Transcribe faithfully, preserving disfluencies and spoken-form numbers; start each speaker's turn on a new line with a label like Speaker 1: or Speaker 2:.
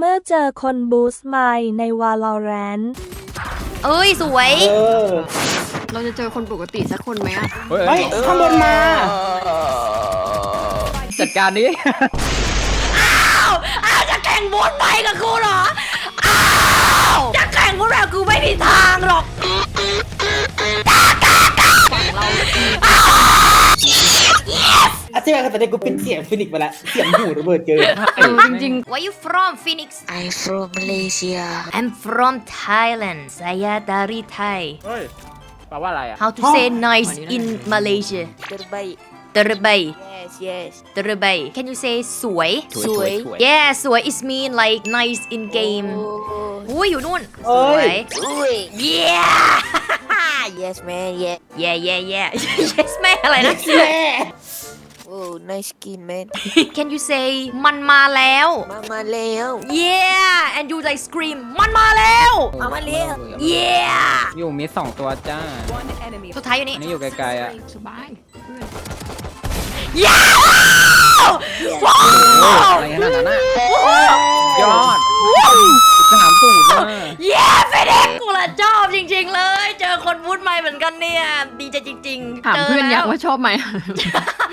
Speaker 1: เมื่อเจอคนบูสต์ไมค์ใน Valorant
Speaker 2: เอ้ยสวย
Speaker 3: เออ
Speaker 4: เราจะเจอคนปกติสักคนไหมอะ
Speaker 3: เฮ้ยข้างบนมา
Speaker 5: จัดการนี้
Speaker 2: อ้าวอ้าวจะแข่งบูสต์ไมค์กับกูเหรออ้าวจะแข่งบูสต์แบบกูไม่มีทางหรอกฝั่งเรา
Speaker 3: อาจารย์แต่ในกูเป็นเสียงฟินิกส์ไปแล้วเสียงหูระเบิดเจอ
Speaker 4: เออจริง
Speaker 2: Where you from Phoenix
Speaker 6: I'm from Malaysia.
Speaker 2: I'm from Thailand Saya dari Thai
Speaker 5: เฮ้ยแปลว่าอะไรอ่ะ
Speaker 2: How to say nice in Malaysia
Speaker 6: Terbaik.
Speaker 2: Terbaik
Speaker 6: Yes, yes.
Speaker 2: Terbaik Can you say สวย
Speaker 5: สวย
Speaker 2: Yeah สวย is mean like nice in game
Speaker 6: Oh,
Speaker 2: อุ้ยอยู่นู่น
Speaker 3: เอ้
Speaker 2: สวย
Speaker 3: ย
Speaker 6: wait.
Speaker 2: Yeah
Speaker 6: Yes, man. Yeah.
Speaker 2: yeah yeah yeah yes แม่อะไรนะ
Speaker 3: แม่
Speaker 6: Oh, nice skin, man.
Speaker 2: Can you say มันมาแล้ว
Speaker 6: Mama Leo.
Speaker 2: Yeah and you like scream มันมาแล้ว
Speaker 6: Mama Leo.
Speaker 2: Yeah
Speaker 5: อยู่มีสองตัวจ้า
Speaker 2: สุดท้ายอยู่นี่
Speaker 5: อันนี้อยู่ไกลๆอ่ะ
Speaker 4: ๆสบาย
Speaker 2: Yeah ว้า
Speaker 5: โอ้ยว อะไรขนาดนั้นอ่ะยอดสนามตูดมาก
Speaker 2: เย้เฟเด็กกูละชอบจริงๆเลย เจอคนพูดใหม่เหมือนกันเนี่ย ดีใจจริงๆ
Speaker 4: ถาม
Speaker 2: จ
Speaker 4: เพื่อนอยาก
Speaker 2: แล้ว
Speaker 4: ว่าชอบไหม